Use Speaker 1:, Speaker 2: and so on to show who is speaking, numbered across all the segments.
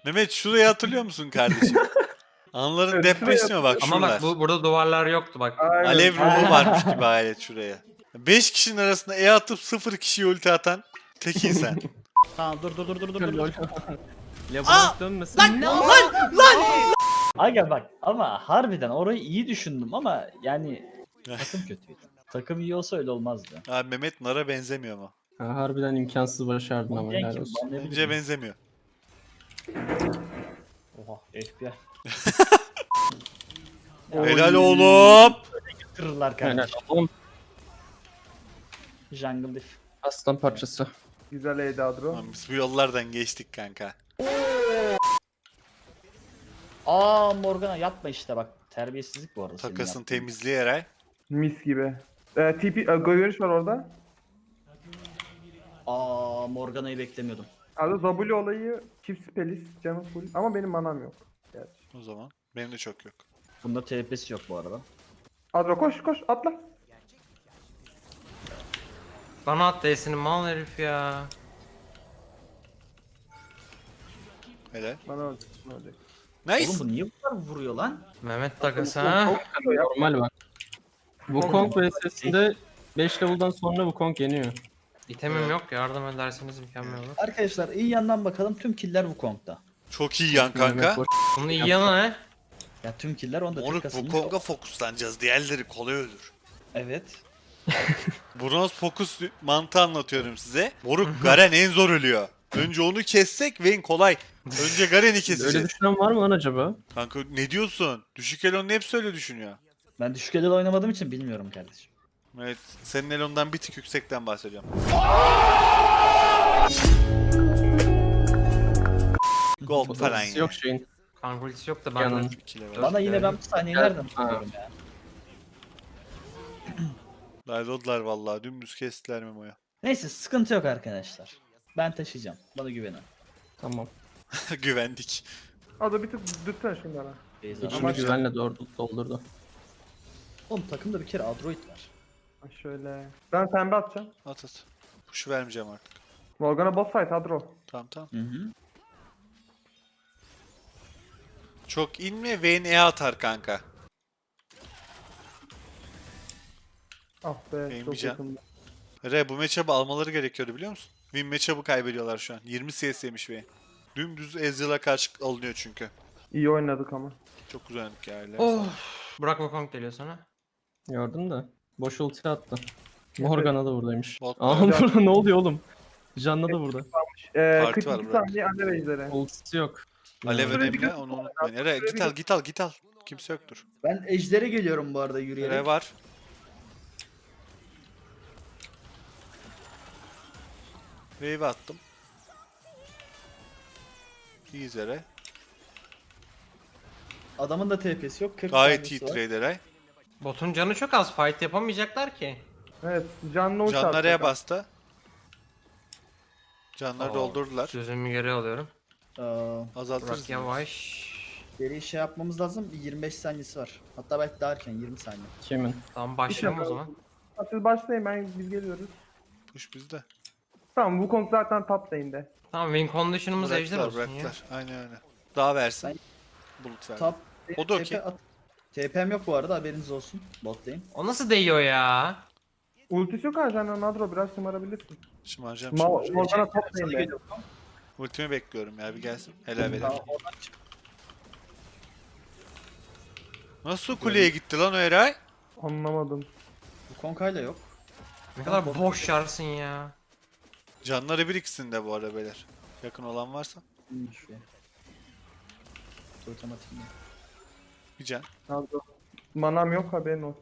Speaker 1: Mehmet şurayı hatırlıyor musun kardeşim? Anların
Speaker 2: Evet,
Speaker 1: depresyonu bak
Speaker 3: Ama
Speaker 1: şuralar.
Speaker 3: bak burada duvarlar yoktu bak.
Speaker 2: Aynen.
Speaker 1: Alev ruhu varmış gibi hayret şuraya. 5 kişinin arasında E atıp 0 kişiye ulti atan tek insan.
Speaker 4: Tamam dur.
Speaker 5: Lol. Labirent dönmesin.
Speaker 4: Aga bak ama harbiden orayı iyi düşündüm ama yani takım kötüydü. Takım iyi olsa öyle olmazdı.
Speaker 1: Abi Mehmet Nara benzemiyor mu?
Speaker 5: Ha, harbiden imkansız başardın ama helal olsun.
Speaker 1: Bence benzemiyor.
Speaker 4: Oha FBI.
Speaker 1: Helal oğlum.
Speaker 4: Kırırlar
Speaker 5: Helal
Speaker 4: kardeşim.
Speaker 5: oğlum.
Speaker 4: Jungle Diff.
Speaker 5: Aslan parçası.
Speaker 2: Güzel Eda Adro.
Speaker 1: Lan biz bu yollardan geçtik kanka.
Speaker 4: Aa Morgana yapma işte bak. Terbiyesizlik bu arada. senin
Speaker 1: Takasın
Speaker 4: yaptığın.
Speaker 1: temizliği Eray.
Speaker 2: Mis gibi. Görüş var orada.
Speaker 4: Aa Morgana'yı beklemiyordum.
Speaker 2: Abi W olayı çift spelis canım full ama benim manam yok. Gerçi.
Speaker 1: O zaman. Benim de çok yok.
Speaker 4: Bunda TP'si yok bu arada.
Speaker 2: Adro koş atla.
Speaker 3: Bana at D'sini mal herif ya.
Speaker 1: Helal.
Speaker 2: Bana öldü.
Speaker 1: Nice.
Speaker 4: Oğlum bu niye bu kadar vuruyor lan?
Speaker 3: Mehmet takası ha.
Speaker 5: Normal bak. Wukong vs'sinde 5 level'dan sonra Wukong yeniyor.
Speaker 3: İtemim yok yardım ederseniz mükemmel olur.
Speaker 4: Arkadaşlar iyi yandan bakalım tüm killer Wukong'da.
Speaker 1: Çok iyi yan kanka.
Speaker 3: Bunun iyi yanı ne?
Speaker 4: Ya tüm killer onda
Speaker 1: Moruk
Speaker 4: takasın.
Speaker 1: bu Kong'a fokuslanacağız. Diğerleri kolay ölür.
Speaker 4: Evet.
Speaker 1: Bronz fokus mantığı anlatıyorum size. Moruk Garen en zor ölüyor. Önce onu kessek Vayne kolay. Önce Garen'i
Speaker 5: Öyle
Speaker 1: keseceğiz.
Speaker 5: düşünen var mı lan acaba?
Speaker 1: Kanka ne diyorsun? Düşük Elon'un hepsi öyle düşünüyor.
Speaker 4: Ben düşük elde oynamadığım için bilmiyorum kardeşim.
Speaker 1: Evet, senin Elon'dan bir tık yüksekten bahsedeceğim. Gold falan
Speaker 5: Ultisi
Speaker 1: ya.
Speaker 5: yok şeyin.
Speaker 3: Kanka ultisi yok da
Speaker 5: Yanın.
Speaker 3: benden.
Speaker 1: 2 level.
Speaker 4: Bana yine ben bu sahneyi nereden tutuyorum ya?
Speaker 1: Laylodlar vallahi dümdüz kestiler Memo'ya.
Speaker 4: Neyse sıkıntı yok arkadaşlar. Ben taşıyacağım. Bana güvenin.
Speaker 5: Tamam.
Speaker 1: Güvendik.
Speaker 2: Adro bir tık dütsene şunlara.
Speaker 4: Beyza.
Speaker 5: İçimi güvenle doldurdu.
Speaker 4: Oğlum takımda bir kere Android var.
Speaker 2: Ha, şöyle. Ben pembe atacağım.
Speaker 1: At. Push'u vermeyeceğim artık.
Speaker 2: Morgana boss fight Adro.
Speaker 1: Tamam.
Speaker 4: Hı hı.
Speaker 1: Çok inme Vayne E atar kanka.
Speaker 2: Ah be
Speaker 1: Benim
Speaker 2: çok
Speaker 1: bir can.
Speaker 2: yakında.
Speaker 1: Re bu matchup'ı almaları gerekiyordu biliyor musun? Win matchup'ı kaybediyorlar şu an. 20 CS yemiş Vayne. Dümdüz Ezreal'a karşı alınıyor çünkü.
Speaker 2: İyi oynadık ama.
Speaker 1: Çok güzel oynadık ya. ellerine
Speaker 3: Oh.
Speaker 1: sağlık.
Speaker 3: Burak Wukong geliyor sana.
Speaker 5: Gördün de. Boş ulti attı. Morgana da buradaymış.
Speaker 1: Bot
Speaker 5: Aa
Speaker 2: var.
Speaker 5: burada ne oluyor oğlum? Janna da burada.
Speaker 1: Parti var
Speaker 2: 42
Speaker 1: bırak.
Speaker 2: saniye alev ejderi.
Speaker 5: Ultisi yok.
Speaker 1: Alev
Speaker 2: Şuraya bir
Speaker 1: önemli onu unutmayın. Ere git al. Kimse yoktur.
Speaker 4: Ben ejdere geliyorum bu arada yürüyerek.
Speaker 1: Ere var. Wave attım. İyiyiz Ere.
Speaker 4: Adamın da TP'si yok. 40
Speaker 1: Gayet iyi
Speaker 4: saniyesi var.
Speaker 1: trade Eray.
Speaker 3: Botun canı çok az fight yapamayacaklar ki.
Speaker 2: Evet canlı uç
Speaker 1: Canlar E'ye
Speaker 2: atacak.
Speaker 1: bastı. Canları
Speaker 3: Oo,
Speaker 1: doldurdular.
Speaker 3: Sözümü geri alıyorum.
Speaker 1: Azaltırız.
Speaker 3: Burak yavaş.
Speaker 4: Geri şey yapmamız lazım. 25 saniyesi var. Hatta belki daha erken 20 saniye.
Speaker 5: Kimin?
Speaker 3: Tamam başlayalım o zaman.
Speaker 2: Ha, siz başlayın biz geliyoruz.
Speaker 1: Push bizde.
Speaker 2: Tamam Wukong zaten top lane'de.
Speaker 3: Tamam win condition'ımız ejder
Speaker 1: Bıraktılar
Speaker 3: olsun ya.
Speaker 1: bıraktılar. Aynen öyle. Daha versin. Bulut ver.
Speaker 4: Top.
Speaker 1: O da okey.
Speaker 4: TP'm yok bu arada haberiniz olsun. Bot lane.
Speaker 3: O nasıl değiyor ya?
Speaker 2: Ultisi yok Arjan'ın Adro biraz şımarabilirsin.
Speaker 1: Şımaracağım.
Speaker 2: Morgana top
Speaker 4: Sana
Speaker 2: lane'de.
Speaker 4: geliyor.
Speaker 1: Ultimi bekliyorum ya bir gelsin. Helal verir.
Speaker 4: Tamam, oradan çık.
Speaker 1: Nasıl kuleye gitti lan o Eray?
Speaker 2: Anlamadım.
Speaker 4: Bu Konkayla yok.
Speaker 3: Ne kadar boş yarsın ya.
Speaker 1: Canları bir ikisinde bu arada beyler. Yakın olan varsa.
Speaker 4: İyiymiş be. Otomatik mi?
Speaker 1: Bir can.
Speaker 2: Adro. Manam yok haberin olsun.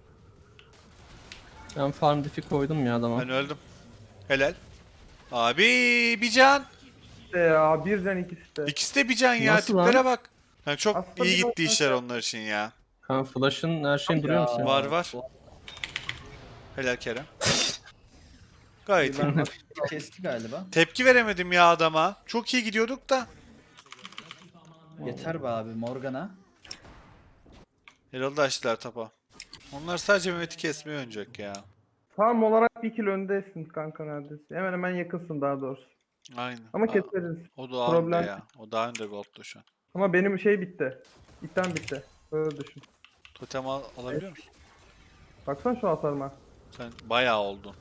Speaker 5: Ben farm diff'i koydum ya adama.
Speaker 1: Ben öldüm. Helal. Abi bir can.
Speaker 2: Ya bir can ikisi de.
Speaker 1: İkisi de bir can ya.
Speaker 5: Nasıl lan?
Speaker 1: Tiplere bak. Yani çok
Speaker 2: Aslında
Speaker 1: iyi
Speaker 2: biraz
Speaker 1: gitti işler onlar için ya.
Speaker 5: Ha flash'ın her şeyin duruyor musun?
Speaker 1: Var var. Helal Kerem. Gayet iyi.
Speaker 4: Kesti galiba.
Speaker 1: Tepki veremedim ya adama. Çok iyi gidiyorduk da.
Speaker 4: Yeter be abi Morgana.
Speaker 1: Herhalde açtılar tapa. Onlar sadece Mehmet'i kesmeye oynayacak ya.
Speaker 2: Farm olarak bir kill öndesin kanka neredesin. Hemen yakınsın daha doğrusu.
Speaker 1: Aynen.
Speaker 2: Ama
Speaker 1: Aa,
Speaker 2: keseriz.
Speaker 1: o daha
Speaker 2: Problem-
Speaker 1: önde ya. O daha önde Gold'da şu an.
Speaker 2: Ama benim şey bitti. İtten bitti. Öyle düşün.
Speaker 1: Totem alabiliyor musun?
Speaker 2: Baksana şu hasarıma.
Speaker 1: Sen bayağı oldun.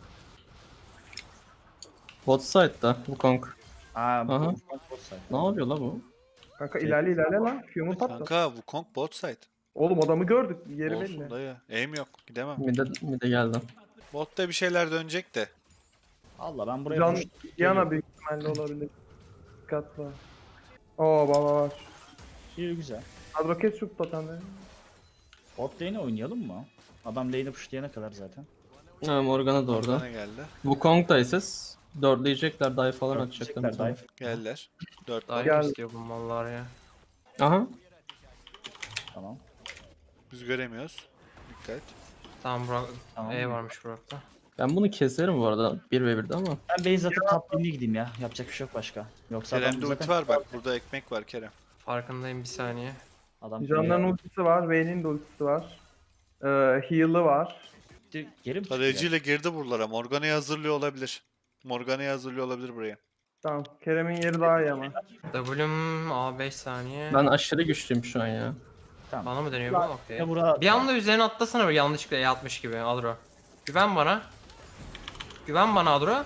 Speaker 5: Bot side'da Wukong.
Speaker 4: Aa bu
Speaker 5: Aha.
Speaker 4: bot side.
Speaker 5: Ne yapıyor la bu?
Speaker 2: Kanka ilerle lan. Q'mu patlat.
Speaker 1: Kanka Wukong bot side.
Speaker 2: Oğlum adamı gördük. Yeri
Speaker 1: Olsun
Speaker 2: belli.
Speaker 1: dayı. Aim yok. Gidemem.
Speaker 5: Mide geldi.
Speaker 1: Botta bir şeyler dönecek de.
Speaker 4: Allah ben buraya
Speaker 2: Can
Speaker 4: boş-
Speaker 2: Yana büyük ihtimalle olabilir. Dikkatli. Oo baba var.
Speaker 4: İyi güzel.
Speaker 2: Kadro kes şu totemleri.
Speaker 4: Bot lane'e oynayalım mı? Adam lane'i pushlayana kadar zaten.
Speaker 5: Ha, Morgana da orada.
Speaker 1: Bana geldi.
Speaker 5: Wukong da SS. Dörtleyecekler, dive falan
Speaker 4: Dörtleyecekler,
Speaker 5: atacaklar.
Speaker 4: dive.
Speaker 1: Geldiler. 4
Speaker 3: Daha
Speaker 2: Gel.
Speaker 3: iyi istiyor bu mallar ya.
Speaker 5: Aha.
Speaker 4: Tamam.
Speaker 1: Biz göremiyoruz. Dikkat.
Speaker 3: Tamam Burak.
Speaker 4: Tamam.
Speaker 3: E varmış Burak'ta.
Speaker 5: Ben bunu keserim bu arada 1v1'de ama.
Speaker 4: Ben base atıp top lane'e gideyim ya. Yapacak bir şey yok başka. Yoksa adam
Speaker 1: Kerem'de ulti
Speaker 4: zaten
Speaker 1: var bak. Burada ekmek var Kerem.
Speaker 3: Farkındayım bir saniye.
Speaker 4: adam
Speaker 2: Canların ultisi var. Vayne'in de ultisi var. Heal'ı var.
Speaker 4: geri mi çıkıyor?
Speaker 1: Tarayıcıyla girdi buralara. Morgana'yı hazırlıyor olabilir. Morgana'yı hazırlıyor olabilir buraya.
Speaker 2: Tamam. Kerem'in yeri daha iyi ama.
Speaker 3: W'm A5 saniye.
Speaker 5: Ben aşırı güçlüyüm şu an ya.
Speaker 4: Tamam.
Speaker 3: Bana mı dönüyor bu? Okey.
Speaker 4: Ya bura...
Speaker 3: Bir anda üzerine atlasana böyle yanlışlıkla E atmış gibi Adro. Güven bana. Güven bana Adro.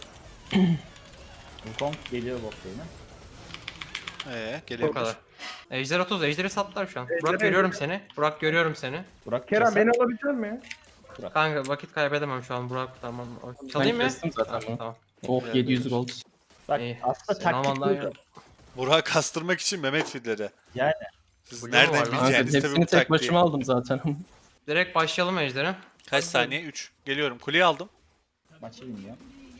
Speaker 4: Wukong geliyor bot lane'e.
Speaker 3: Bu
Speaker 1: Gelebilir.
Speaker 3: kadar. Ejder 30, Ejder'i sattılar şu an.
Speaker 2: Ejder,
Speaker 3: Burak görüyorum
Speaker 2: Ejder.
Speaker 3: seni. Burak görüyorum seni.
Speaker 4: Burak
Speaker 2: Kerem
Speaker 4: keser.
Speaker 2: beni alabilecek mi?
Speaker 3: Kanka vakit kaybedemem şu an Burak tamam. Çalayım mı?
Speaker 5: kestim zaten bunu.
Speaker 3: Tamam.
Speaker 5: Oh
Speaker 1: Evet,
Speaker 5: 700 gold.
Speaker 4: Bak
Speaker 3: İyi.
Speaker 4: aslında
Speaker 3: Sen
Speaker 4: taktik
Speaker 3: aman
Speaker 4: buydu.
Speaker 1: Burak'ı kastırmak için Mehmet fidleri.
Speaker 4: Yani.
Speaker 1: Siz
Speaker 3: Blue
Speaker 1: nereden
Speaker 3: var lan.
Speaker 5: Kanka,
Speaker 1: bileceğiniz tabii
Speaker 5: hepsini
Speaker 1: bu
Speaker 5: tek
Speaker 1: taktiği.
Speaker 5: başıma aldım zaten.
Speaker 3: Direkt başlayalım Ejder'e.
Speaker 1: Kaç saniye? 3. Geliyorum. Kuleyi aldım.
Speaker 4: Maçı bilmiyor.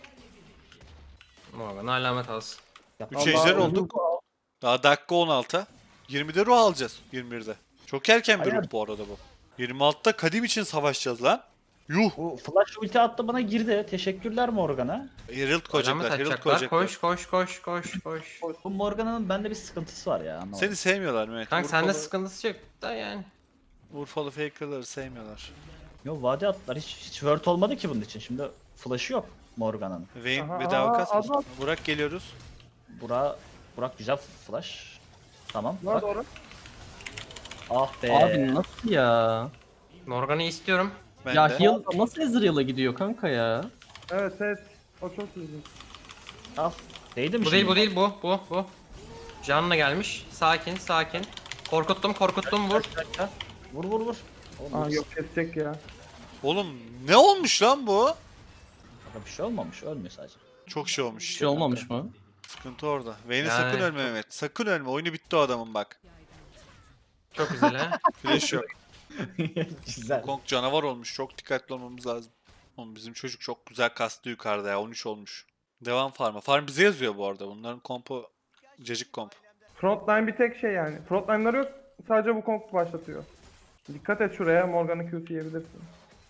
Speaker 3: Morgan alamet alsın.
Speaker 1: 3 ejder olduk. Daha dakika 16. 20'de ruh alacağız. 21'de. Çok erken bir
Speaker 4: Aynen.
Speaker 1: ruh bu arada bu. 26'da kadim için savaşacağız lan. Yuh.
Speaker 4: Bu flash ulti attı bana girdi. Teşekkürler Morgan'a.
Speaker 1: Herald
Speaker 3: Alamet
Speaker 1: koyacaklar. Herald
Speaker 3: atacaklar.
Speaker 1: koyacaklar.
Speaker 3: Koş koş koş koş koş.
Speaker 4: Bu Morgan'ın bende bir sıkıntısı var ya. Anlamadım.
Speaker 1: Seni sevmiyorlar Mehmet.
Speaker 3: Kanka sende
Speaker 1: Urfalı-
Speaker 3: sıkıntısı yok da yani.
Speaker 1: Urfalı faker'ları sevmiyorlar.
Speaker 4: Yo vade attılar. Hiç word olmadı ki bunun için. Şimdi flash'ı yok Morgan'ın.
Speaker 1: Vayne
Speaker 2: Aha,
Speaker 1: bedava
Speaker 2: aha,
Speaker 1: kasmasın.
Speaker 2: adam.
Speaker 1: Burak geliyoruz.
Speaker 4: Burak güzel flash. Tamam.
Speaker 2: Var
Speaker 4: Bak.
Speaker 2: doğru.
Speaker 4: Ah be.
Speaker 5: Abi nasıl ya?
Speaker 3: Morgan'ı istiyorum.
Speaker 1: Ben
Speaker 5: Ya
Speaker 1: de.
Speaker 5: heal nasıl Ezreal'a gidiyor kanka ya?
Speaker 2: Evet evet. O çok ilginç.
Speaker 4: Al. Değdi mi
Speaker 3: Bu
Speaker 4: şimdi?
Speaker 3: değil bu değil bu. Can'la gelmiş. Sakin sakin. Korkuttum vur.
Speaker 4: Vur vur vur. Oğlum,
Speaker 2: Aa
Speaker 4: bu
Speaker 2: yok kesecek ya.
Speaker 1: Oğlum ne olmuş lan bu?
Speaker 4: Kanka bir şey olmamış. Ölmüyor sadece.
Speaker 1: Çok şey olmuş.
Speaker 5: Bir
Speaker 1: işte
Speaker 5: şey olmamış
Speaker 1: kanka.
Speaker 5: mı?
Speaker 1: Sıkıntı orada. Vayne'e
Speaker 3: Yani
Speaker 1: sakın ölme
Speaker 3: çok-
Speaker 1: Mehmet. Sakın ölme. Oyunu bitti o adamın bak.
Speaker 3: Çok güzel ha.
Speaker 1: Flash yok.
Speaker 4: Güzel.
Speaker 1: Kong canavar olmuş. Çok dikkatli olmamız lazım. Oğlum bizim çocuk çok güzel kastı yukarıda ya. 13 olmuş. Devam farm'a. Farm bize yazıyor bu arada. Bunların kompu cacık komp.
Speaker 2: Frontline bir tek şey yani. Frontline'ları yok. Sadece bu komp başlatıyor. Dikkat et şuraya. Morgan'ı Q'su yiyebilirsin.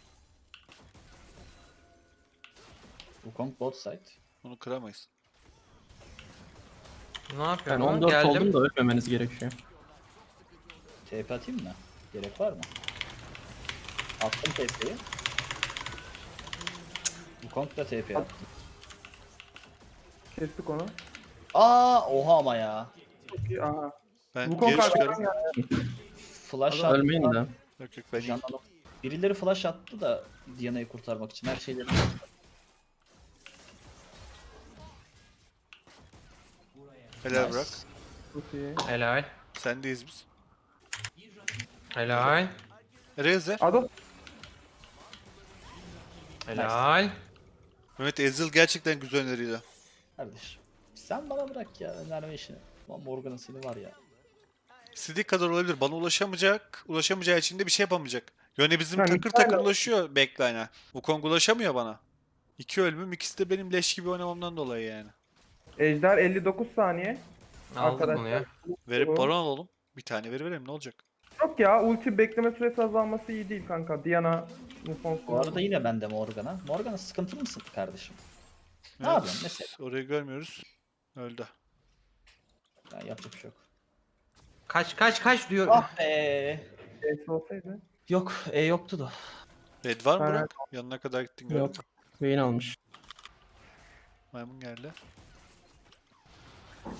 Speaker 4: Wukong bot side.
Speaker 1: Bunu kıramayız.
Speaker 3: Ne
Speaker 5: Ben
Speaker 3: yapıyorum? lan?
Speaker 5: 14
Speaker 3: Geldim.
Speaker 5: oldum da ölmemeniz gerekiyor.
Speaker 4: TP atayım mı? Gerek var mı? Attım TP'yi. Wukong da TP attı.
Speaker 2: Kestik onu.
Speaker 4: Oha ama ya.
Speaker 2: Çok iyi. Aha.
Speaker 1: Ben
Speaker 2: Bu komp
Speaker 1: geri
Speaker 2: arkadan
Speaker 1: çıkarım.
Speaker 2: geldi.
Speaker 4: Flash attı.
Speaker 5: Ölmeyin de.
Speaker 1: Yok yok ben iyiyim.
Speaker 4: Can alıp. Birileri flash attı da Diana'yı kurtarmak için her şeyleri.
Speaker 1: Helal
Speaker 4: Nice.
Speaker 1: bırak.
Speaker 2: Çok iyi.
Speaker 3: Helal.
Speaker 1: Sendeyiz biz.
Speaker 3: Helal.
Speaker 1: Reze.
Speaker 2: Ado.
Speaker 3: Helal.
Speaker 1: Mehmet Ezreal gerçekten güzel öneriydi.
Speaker 4: Kardeş. Sen bana bırak ya önerme işini. Lan Morgan'ın seni var ya.
Speaker 1: İstediği kadar olabilir. Bana ulaşamayacak. Ulaşamayacağı için de bir şey yapamayacak. Yani bizim
Speaker 2: Yani
Speaker 1: takır
Speaker 2: hala-
Speaker 1: takır ulaşıyor backline'a. Wukong ulaşamıyor bana. 2 ölümüm, ikisi de benim leş gibi oynamamdan dolayı yani.
Speaker 2: Ejder 59 saniye.
Speaker 3: Aldık
Speaker 2: Arkadaşlar.
Speaker 3: bunu ya.
Speaker 1: Verip
Speaker 2: Doğru.
Speaker 1: baron alalım. Bir tane verelim ne olacak?
Speaker 2: Yok ya ulti bekleme süresi azalması iyi değil kanka. Diana Mufon.
Speaker 4: Bu arada yine bende Morgan'a. Morgan'a sıkıntılı mısın kardeşim? Ne
Speaker 1: Evet,
Speaker 4: yapıyorsun mesela?
Speaker 1: Orayı görmüyoruz. Öldü.
Speaker 4: Ya yapacak bir şey yok.
Speaker 3: Kaç diyor.
Speaker 4: Ah be.
Speaker 2: Eksi olsaydı.
Speaker 4: Yok, yoktu da.
Speaker 1: Red var mı
Speaker 2: Evet.
Speaker 1: Burak? Yanına kadar gittin gördüm.
Speaker 5: Yok. Vayne almış.
Speaker 1: Maymun geldi.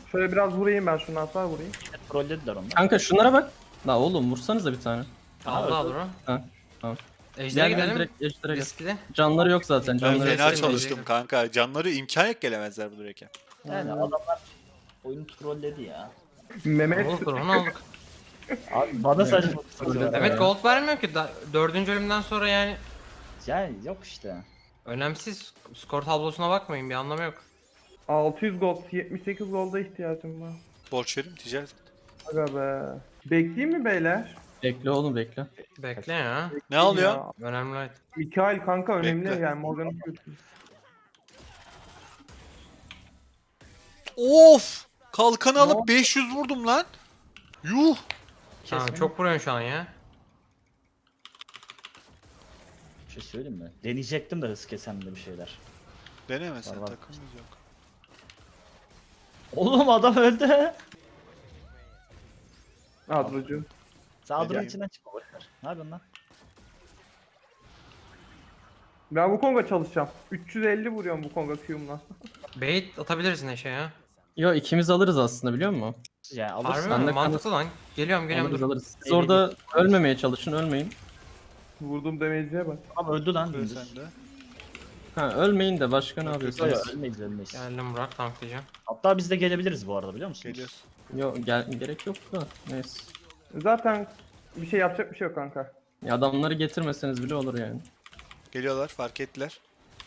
Speaker 2: Şöyle biraz vurayım ben, şundan sonra vurayım.
Speaker 4: Trollediler onlar.
Speaker 5: Kanka şunlara bak. La oğlum vursanıza bir tane.
Speaker 3: Aldı Adro.
Speaker 5: Ha, tamam.
Speaker 3: Ejder'e
Speaker 5: Gel, gel,
Speaker 3: gidelim.
Speaker 5: direkt ejder'e gel.
Speaker 3: Riskli.
Speaker 5: Canları yok zaten.
Speaker 1: Ben
Speaker 5: Canları
Speaker 1: fena
Speaker 3: Neyse,
Speaker 1: çalıştım
Speaker 3: neyse.
Speaker 1: kanka. Canları imkan yok gelemezler bu direkt.
Speaker 4: Yani adamlar oyunu trolledi ya.
Speaker 2: Mehmet
Speaker 3: Olduk onu olduk.
Speaker 4: Abi bana saçma.
Speaker 3: Mehmet gold vermiyor ki. 4. ölümden sonra yani.
Speaker 4: Yani yok işte.
Speaker 3: Önemsiz. Skor tablosuna bakmayın, bir anlamı yok.
Speaker 2: 600 gold, 78 golda ihtiyacım var.
Speaker 1: Borç verim ticaret.
Speaker 2: Aga be. Bekleyeyim mi beyler?
Speaker 5: Bekle oğlum bekle.
Speaker 3: Bekle ya.
Speaker 1: Ne alıyor?
Speaker 2: Ya,
Speaker 3: Önemli.
Speaker 2: Mikael kanka önemli
Speaker 1: Bekle.
Speaker 2: yani Morgan'ın
Speaker 1: Of! Kalkanı alıp 500 vurdum lan. Yuh!
Speaker 3: Tamam, çok vuruyorsun şu an ya.
Speaker 4: Bir şey söyleyeyim mi? Deneyecektim de hız kesemde bir şeyler.
Speaker 1: Deneme sen,
Speaker 4: Var, var.
Speaker 1: takımımız yok.
Speaker 4: Oğlum adam öldü.
Speaker 2: Adrocu.
Speaker 4: Sağdurun
Speaker 1: Yani.
Speaker 4: içinden çıkma boşver. Ne yapıyorsun lan?
Speaker 2: Ben bu Kong'a çalışacağım. 350 vuruyorum bu Kong'a Q'umla.
Speaker 3: Bait atabiliriz Neşe ya.
Speaker 5: Yo ikimiz alırız aslında biliyor musun?
Speaker 4: Yani
Speaker 3: Harbi
Speaker 4: alırsın.
Speaker 5: Ben
Speaker 3: mi?
Speaker 5: de
Speaker 3: Mantıklı lan. Geliyorum
Speaker 5: Alırız
Speaker 3: dur.
Speaker 5: alırız. Siz orada ölmemeye çalışın ölmeyin.
Speaker 2: Vurduğum damage'e bak.
Speaker 4: Ama öldü lan.
Speaker 1: Böyle
Speaker 4: dümdüz.
Speaker 1: sen de.
Speaker 5: Ha ölmeyin de başka ne
Speaker 4: Yok,
Speaker 5: yapıyorsunuz?
Speaker 4: yok, ölmeyiz ölmeyiz.
Speaker 3: Geldim Burak, tanklayacağım.
Speaker 4: Hatta biz de gelebiliriz bu arada biliyor musunuz?
Speaker 1: Geliyorsun.
Speaker 5: Yo gerek yok da neyse.
Speaker 2: Zaten bir şey yapacak bir şey yok kanka.
Speaker 5: Ya adamları getirmeseniz bile olur yani.
Speaker 1: Geliyorlar, fark ettiler.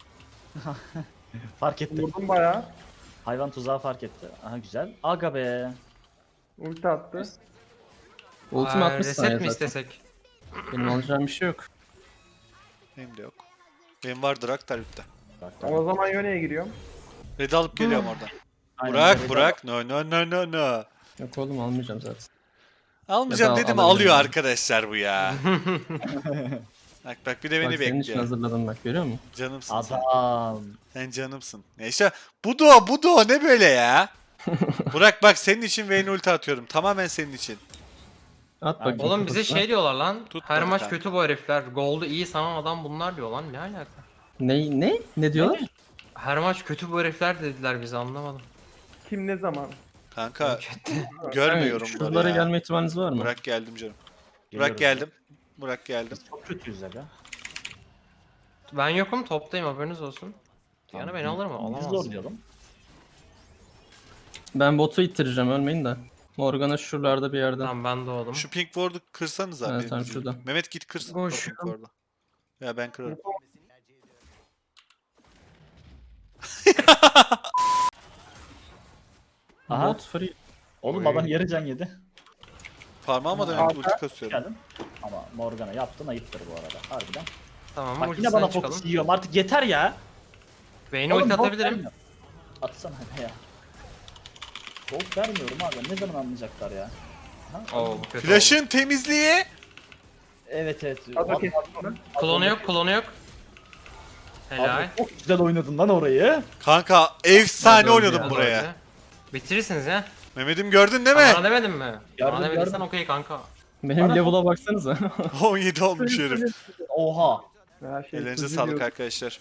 Speaker 4: Fark etti.
Speaker 2: Vurdum bayağı.
Speaker 4: Hayvan tuzağı fark etti. Aha güzel. Aga be.
Speaker 2: Ulti attı.
Speaker 5: Ultim 60
Speaker 3: Reset
Speaker 5: saniye
Speaker 3: mi
Speaker 5: zaten.
Speaker 3: istesek?
Speaker 5: Benim alacağım bir şey yok.
Speaker 1: Benim de yok. Benim var Draktar bitti.
Speaker 4: Bak,
Speaker 2: O zaman Yone'ye giriyorum.
Speaker 1: Red alıp geliyorum oradan.
Speaker 4: Aynen
Speaker 1: Burak,
Speaker 4: öyle.
Speaker 1: Burak. No no no no no.
Speaker 5: Yok oğlum almayacağım zaten.
Speaker 1: Almayacağım
Speaker 5: Ya da
Speaker 1: dedim
Speaker 5: alabilirim
Speaker 1: alıyor
Speaker 5: yani.
Speaker 1: arkadaşlar bu ya. Bak bir de beni
Speaker 5: Bak senin için
Speaker 1: bekliyor.
Speaker 5: hazırladım bak görüyor musun?
Speaker 1: Canımsın sen.
Speaker 4: Adam.
Speaker 1: Sen canımsın. Neyse. Bu ne böyle ya? Burak bak senin için Vayne ulti atıyorum. Tamamen senin için.
Speaker 5: At bakayım.
Speaker 3: Oğlum bize
Speaker 5: kafasına.
Speaker 3: şey diyorlar lan.
Speaker 1: Tut
Speaker 3: Her
Speaker 1: bak
Speaker 3: maç
Speaker 1: kanka.
Speaker 3: kötü bu herifler. Gold'u iyi sanan adam bunlar diyor lan. Ne alaka?
Speaker 5: Ne? Ne diyorlar?
Speaker 3: Her maç kötü bu herifler dediler bize, anlamadım.
Speaker 2: Kim ne zaman?
Speaker 1: Kanka
Speaker 3: Kötü.
Speaker 1: görmüyorum
Speaker 5: Yani
Speaker 1: bunları
Speaker 5: şuralara
Speaker 1: ya.
Speaker 5: gelme ihtimaliniz var mı?
Speaker 1: Burak geldim canım.
Speaker 4: Geliyoruz
Speaker 1: Burak geldim. Burak geldim.
Speaker 4: Çok kötüyüz aga.
Speaker 3: Ben yokum, toptayım, haberiniz olsun. Yani beni alır mı?
Speaker 4: Biz
Speaker 3: Alamaz.
Speaker 4: zorlayalım.
Speaker 5: Ben botu ittireceğim ölmeyin de. Morgana şuralarda bir yerde.
Speaker 3: Tamam, ben doğdum.
Speaker 1: Şu pink ward'u kırsanız abi.
Speaker 5: Evet, tamam, şurada.
Speaker 1: Mehmet git kırsın. o
Speaker 3: Koş.
Speaker 1: pink ward'u. Ya ben kırarım.
Speaker 4: Aha.
Speaker 5: Bot free.
Speaker 4: Oğlum
Speaker 3: Oy.
Speaker 4: adam yarı can yedi.
Speaker 1: Parmağıma da ulti kasıyorum.
Speaker 4: Geldim. Ama Morgana yaptın ayıptır bu arada. Harbiden.
Speaker 3: Tamam,
Speaker 4: Bak yine
Speaker 3: ultisinden
Speaker 4: bana
Speaker 3: çıkalım.
Speaker 4: fokus yiyorum artık yeter ya.
Speaker 3: Vayne'e
Speaker 4: Oğlum,
Speaker 3: ulti
Speaker 4: gold
Speaker 3: atabilirim.
Speaker 4: vermiyor. Atsana hadi ya. Gold vermiyorum abi. Ne zaman anlayacaklar ya? Ha?
Speaker 3: Oo, bu kötü oldu.
Speaker 1: Flash'ın temizliği.
Speaker 4: Evet evet.
Speaker 2: Adro
Speaker 4: Abi,
Speaker 2: kestim.
Speaker 3: Klonu yok, klonu yok. Helal.
Speaker 4: abi çok güzel oynadın lan orayı.
Speaker 1: Kanka efsane
Speaker 5: Hadi
Speaker 1: oynadım
Speaker 5: ya.
Speaker 1: buraya.
Speaker 3: Bitirirsiniz ya.
Speaker 1: Mehmet'im gördün değil mi?
Speaker 3: Bana demedin mi?
Speaker 4: Gördüm,
Speaker 3: Bana demediysen
Speaker 4: gördüm.
Speaker 3: okey kanka.
Speaker 5: Benim
Speaker 4: Bana-
Speaker 5: level'a baksanıza.
Speaker 1: 17 olmuş herif.
Speaker 4: Oha.
Speaker 2: Her şey
Speaker 1: Ellerinize
Speaker 2: hızlı
Speaker 1: sağlık
Speaker 2: diyor.
Speaker 1: arkadaşlar.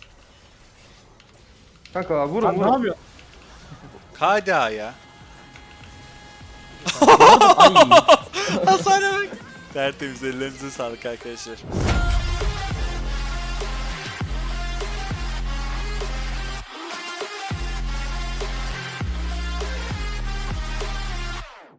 Speaker 2: Kanka vurun
Speaker 4: Lan ne
Speaker 2: vurun.
Speaker 4: yapıyorsun?
Speaker 1: KDA ya.
Speaker 5: Ay.
Speaker 1: Hasara bak. Tertemiz ellerinize sağlık arkadaşlar.